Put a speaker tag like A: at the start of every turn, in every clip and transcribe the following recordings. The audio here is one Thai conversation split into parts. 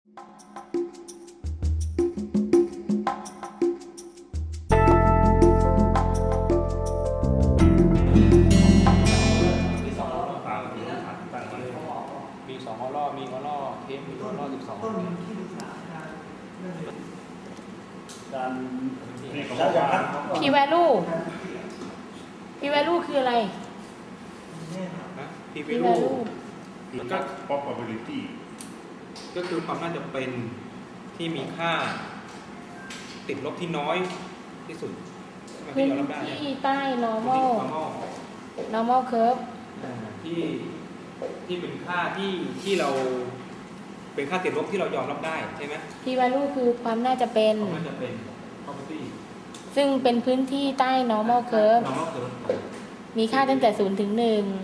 A: มี2ออล่อมีออล่อเทปมีออล่อ12
B: การ
C: P value P value คืออะไร
A: P value
B: ก็ probability
A: ก็คือความน่าจะเป็นที่มีค่าติดลบที่น้อยที่สุด
C: พื้นที่ใต้ normal curve
A: ที่เป็นค่าที่เราเป็นค่าติดลบที่เรายอมรับได้ใช่ไหม
C: P value คือความน่าจะเป็น
A: property
C: ซึ่งเป็นพื้นที่ใต้ normal curve มีค่าตั้งแต่0 ถึง 1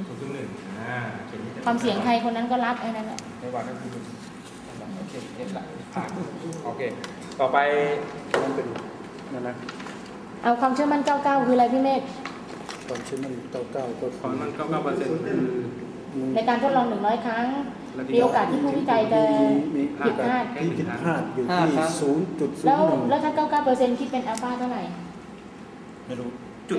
C: ความเสี่ยงใครคนนั้นก็รับไอ้นั่นแหละ
A: ไม่ว่าก็คือโอเคเอฟหลักผ่านโอเคต่อไปมันเป็นนั่นนะ
C: เอาความเชื่อมั่น99คืออะไรพี่เมฆ
B: ความเชื่อมั่น99ก็
A: ความมัน99%คือ
C: ในการทดลอง100ครั้งมีโอกาสที่ผู้วิจัยจะผิดพลาด
B: อยู่ที่0.01
C: แล้วถ้า99%คิดเป็นอัลฟาเท่าไหร่
B: ไม่รู้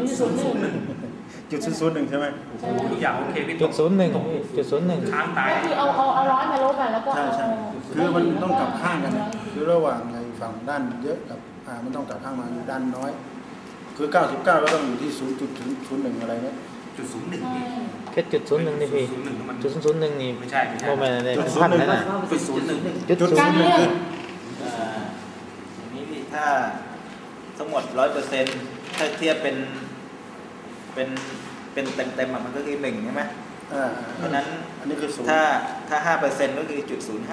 A: 0.01
B: ใช่ไหม
A: ทุกอย่างโอเคพี่
D: 0.01
A: ค้างตาย
C: ก็คือเอา100มาลบกันแล้วก็
B: ใช่คือมันต้องกลับข้างกันคือระหว่างในฝั่งด้านเยอะกับมันต้องกลับข้างมาด้านน้อยคือ99ก็ต้องอยู่ที่0.01อะไรเนี่ย
D: แค่0.01นี่พี่0.01นี่
A: ไม่ใช่
D: โมเมนต์อะไรเป็นพันนั่นน่ะ
C: การเลือก
E: อย่างนี้พี่ถ้าทั้งหมด 100%ถ้าเทียบเป็นเต็มมันก็คือ1ใช่ไหมเพราะนั้น
B: อันนี้คือ
E: ถ้า 5% ก็คือ0.05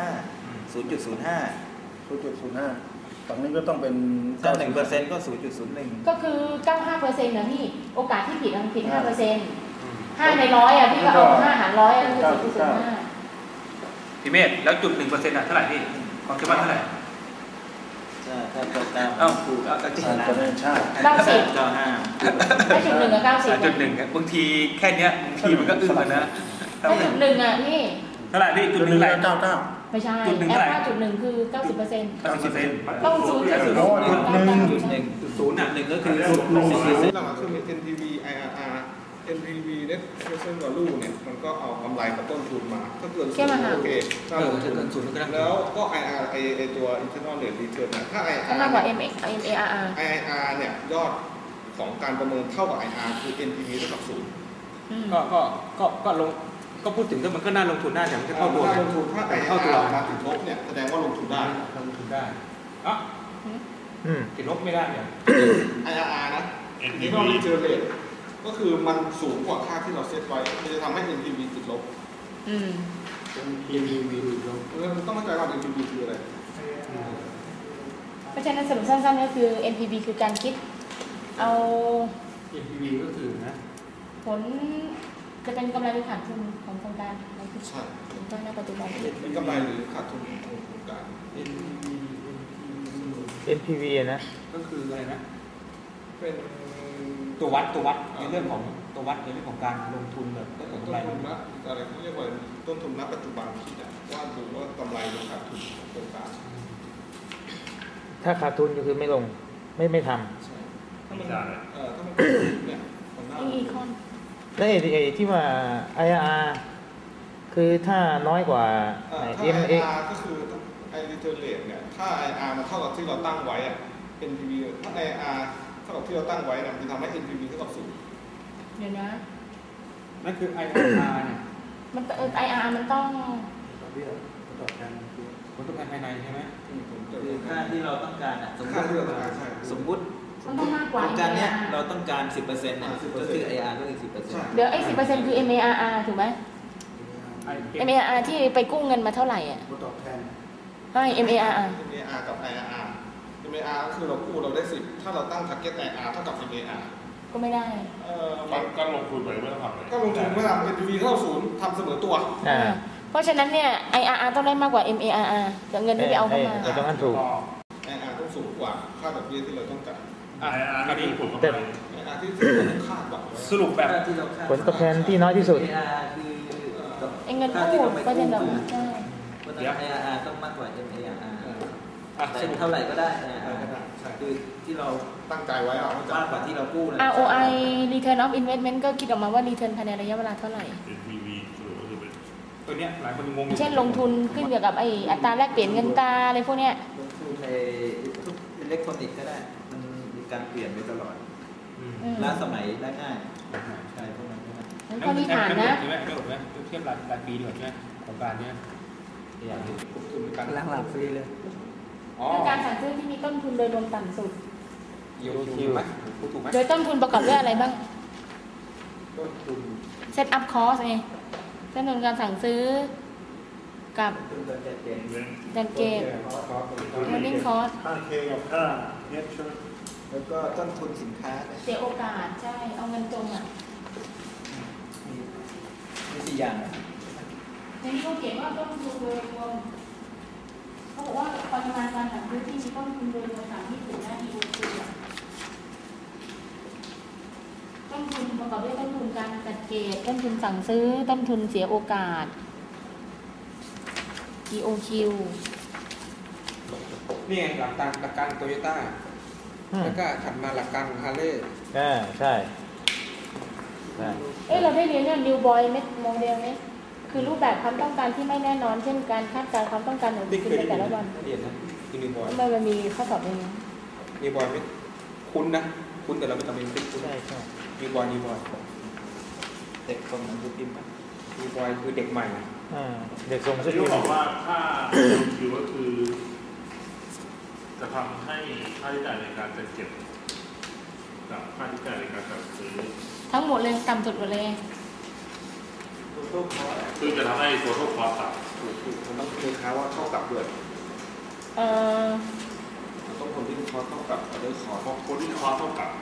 B: ฝั่งนี้ก็ต้องเป็น
E: ถ้า 1% ก็ 0.01
C: ก็คือ95%นะพี่โอกาสที่ผิดมันผิด 5% 5 ใน 100อ่ะพี่ก็เอา5 หาร 100คือ 0.05
A: พี่เมธแล้วจุด 1% อ่ะเท่าไหร่พี่ความคิดว่าเท่าไหร่
E: ถ้าเกิดเอาถูกเอาจริงนะ
C: 90ได้จุด1กับ90
A: จุด1บางทีแค่เนี้ยบางทีมันก็อึ้งนะ
C: ได้จุด1อ่ะพี่
A: เท่าไหร่พี่จุด1เท่าไหร่
B: 99
C: ไม่ใช่แอลฟาจุด1คือ 90%ต้อง 0.01
A: อ่ะ1ก็คือ
F: หลักๆคือ NPV IRR NPV Net Present Value เนี่ยมันก็เอากำไรกับต้นทุนมาถ้าเกิน0โอเคถ้าลงทุนแล้วก็ IRR ไอตัว Internal Rate Return นะถ้า IRR
C: ก็มากกว่า MARR
F: IRR เนี่ยยอดของการประเมินเท่ากับ IRR คือ NPV เท่ากับ0
A: ก็พูดถึงก็มันก็น่าลงทุนได้แต่มันจะเข้าตัว
F: ลงทุนถ้าเข้าตัวมาถึงลบเนี่ยแสดงว่าลงทุนได้
A: ติดลบไม่ได้เนี่ย
F: IRR นะ Internal Return Rate ก็คือมันสูงกว่าค่าที่เราเซตไว้มันจะทำให้ NPV ติดลบ
A: NPV ติดลบ
F: ต้องเข้าใจว่า NPV คืออะไร
C: เพราะฉะนั้นสรุปสั้นๆก็คือ NPV คือการคิดเอา
A: NPV ก็คือนะ
C: ผลจะเป็นกำไรหรือขาดทุนของโครงการ
F: ใช่
C: ก็ในปัจจุบัน
F: เป็นกำไรหรือขาดทุนของโครงการ
D: NPV นะ
A: ก็คืออะไรนะเป็นตัววัดในเรื่องของตัววัดในเรื่องของการลงทุนแบบต้นทุน
F: นะอะไรเขาเรียกว่าต้นทุนณปัจจุบันที่ว่าดูว่ากำไรหรือขาดทุนของโครงการ
D: ถ้าขาดทุนก็คือไม่ลงไม่ท
F: ำใช่ถ้ามันเนี่ย
C: อีคอน
D: แล้วไอ้ที่ว่า IRR คือถ้าน้อยกว่า
F: IRR ก็คือไอ้ return rate เนี่ยถ้า IRR มันเท่ากับที่เราตั้งไว้อะ NPV ถ้า IRR เท่ากับที่เราตั้งไว้เนี่ยมันจะทำให้ NPV เท่ากับ
C: 0เดี๋ยวนะ
A: นั่นคือ IRR เนี่ย
C: มันIRR มันต้อง
A: ผลตอบแทนภายในใช่ไหม
E: คือค่าที่เราต้องการสมมุติโครงการเนี้ยเราต้องการ 10% เนี่ยก็คือ IRR ก็คือ 10%
C: เดี๋ยวไอ้ 10% คือ MARR ถูกไหม MARR ที่ไปกู้เงินมาเท่าไหร่อ่ะ
F: ตอบแทน
C: ไม่ MARR
F: กับ IRR MAR ก็คือเรากู้เราได้10ถ้าเราตั้ง target IRR เท่ากับ MAR
C: ก็ไม่ได้
F: การลงทุนไปไม่ต้องทำเลยก็ลงทุนไม่ทำ NPV เท่า0ทำเสมอตัว
C: เพราะฉะนั้นเนี่ย IRR ต้องได้มากกว่า MARR แต่เงินที่ไปเอาเข้ามา
D: ตรงนั้นถูก
F: IRR ต้องสูงกว่าค่าดอกเบี้ยที่เราต้องจ่าย
A: อันนี้ผม
F: แต่ที่คาดหวัง
A: สรุปแบบ
D: ผลตอบแทนที่น้อยที่สุด
C: เงินกู้ประเด็นแบบ
E: เพราะฉะนั้น IRR ต้องมากกว่า MARR แต่
A: สรุป
E: เท่าไหร่ก็ได้
F: ก็
E: IRR
F: ได้ใช่
E: คือที่เรา
F: ตั้งใจไว้อะ
E: มากกว่าที่เรากู้นะ
C: ROI Return of Investment ก็คิดออกมาว่า Return ภายในระยะเวลาเท่าไหร่
G: NPV ก็คือเป็น
A: ตัวเนี้ยหลายคนงงอยู่
C: เช่นลงทุนขึ้นเกี่ยวกับไอ้อัตราแลกเปลี่ยนเงินตราอะไรพวกเนี้ย
E: ลงทุนในทุกอิเล็กทรอนิกส์ก็ได้ มันมีการเปลี่ยนไปตลอด
A: อืม
E: ล้าสมัยได้ง่ายใช่พวกนั้นก็ได้
C: งั้นข้อนี้ผ่านนะ
A: ใช่ไหมไม่หมดไหมเทียบรายปีดีกว่าใช่ไหมของการเนี้ยอย่างนี้ลงทุนในการ
D: ล้างหลับฟรีเลย
A: อ๋อ
C: คือการสั่งซื้อที่มีต้นทุนโดยรวมต่ำสุด
A: เยียวคิวไหมพูดถูกไหม
C: โดยต้นทุนประกอบด้วยอะไรบ้าง
A: ต้นทุน
C: Set up cost ไงต้นทุนการสั่งซื้อกับ
E: คุณจะเปลี่ยน
C: ดันเกต running cost
B: ค่าเคกับค่าเน็ตใช่ไหม
E: แล้วก็ต้นทุนสินค้าเนี่ย
C: เสียโอกาสใช่ เอาเงินจมอ่ะ
E: มี4อย่าง
C: ในนี้เขาเขียนว่าต้นทุนโดยรวมเขาบอกว่าปริมาณการสั่งซื้อที่มีต้นทุนโดยรวมต่ำที่สุดนะ EOQ อะต้นทุนประกอบด้วยต้นทุนการจัดเก็บต้นทุนสั่งซื้อต้นทุนเสียโอกาส EOQ
A: นี่ไงหลักการโตโยต้าแล้วก็ถัดมาหลักการของฮาร์เลย์
D: ใช่ใช่
C: เอ๊ะเราได้เรียนเรื่อง New Boy Model ไหมคือรูปแบบความต้องการที่ไม่แน่นอน เช่นการคาดการณ์ความต้องการของ
A: นี่
C: คุณ
A: เคย
C: ใน
A: ได้
C: แต่ละวัน
A: เรียนนะคือนิวบอย
C: ทำไมมันมีข้อสอบอย่างนี้
A: นิวบอยไม่คุ้นนะคุ้นแต่เราไม่จำเป็นคุ้น
D: ใช่ใช่
A: นิวบอย
E: เด็กส่งหนังสือพิมพ์
A: นิวบอยคือเด็กใหม่
D: เด็กส่ง
G: ที่
D: ชื่อ
G: เขาบอกว่าค่าคิวก็คือ จะทำให้ค่าใช้จ่ายในการจัดเก็บกับค่าใช้จ่ายในการจัดซื้อ
C: ทั้งหมดเลยต่ำสุดหมดเลย
G: คือจะทำให้ตัวทุกคอต่
A: ถูกมันต้องคือค้าว่าเท่ากับด้วย
C: เอ่อ
A: มันต้องคนที่คอเท่ากับออเดอร์คอ
G: ำเพราะคนที่คอเท่ากับ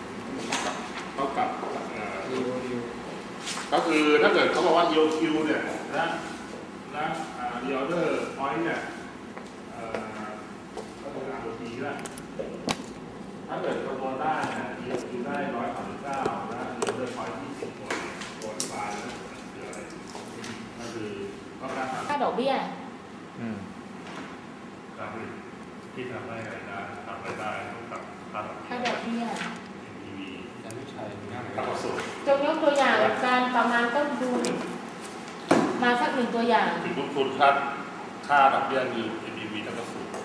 A: นิว
G: ก็คือถ้าเกิดเขาบอกว่า EOQ เนี่ยและReorder Point เนี่ยก็เป็นROT ก็ถ้าเกิดคำนวณได้เนี่ย EOQ ได้139และ Reorder Point 20ตัวที่บานนะคืออะไรก็คือก็การ
C: ค่าดอกเบี้ย
G: การผลิตที่ทำให้รายได้ทำรายได้กับค่าดอก
C: ค่าดอกเบี้ย
G: NPV
A: แต่ไม่ใช่ง่าย
G: ต่ำกว่าสุด
C: จงยกตัวอย่างการประมาณต้นทุนมาสักหนึ่งตัวอย่าง
G: ถึงลงทุนค่าดอกเบี้ยมี NPV ต่ำกว่าสุด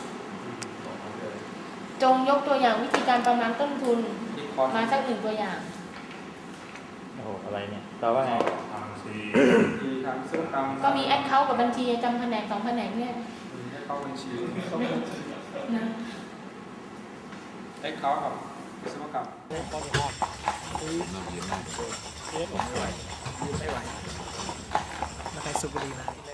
C: จงยกตัวอย่างวิธีการประมาณต้นทุน
A: นี่คอ
C: มาสักหนึ่งตัวอย่าง
D: โอ้โหอะไรเนี่ยตอบว่าไง
G: ทางซี
A: ที่ทำซื้อกรรม
C: ก็มีแอคเคาท์กับบัญชีจำแผนก2แผนกเนี่ย
A: ให้เข้าบัญชี
C: นะ
A: ให้เขากับวิศวกรรม
D: ไม่ไหวมาใครสุบบุรีมา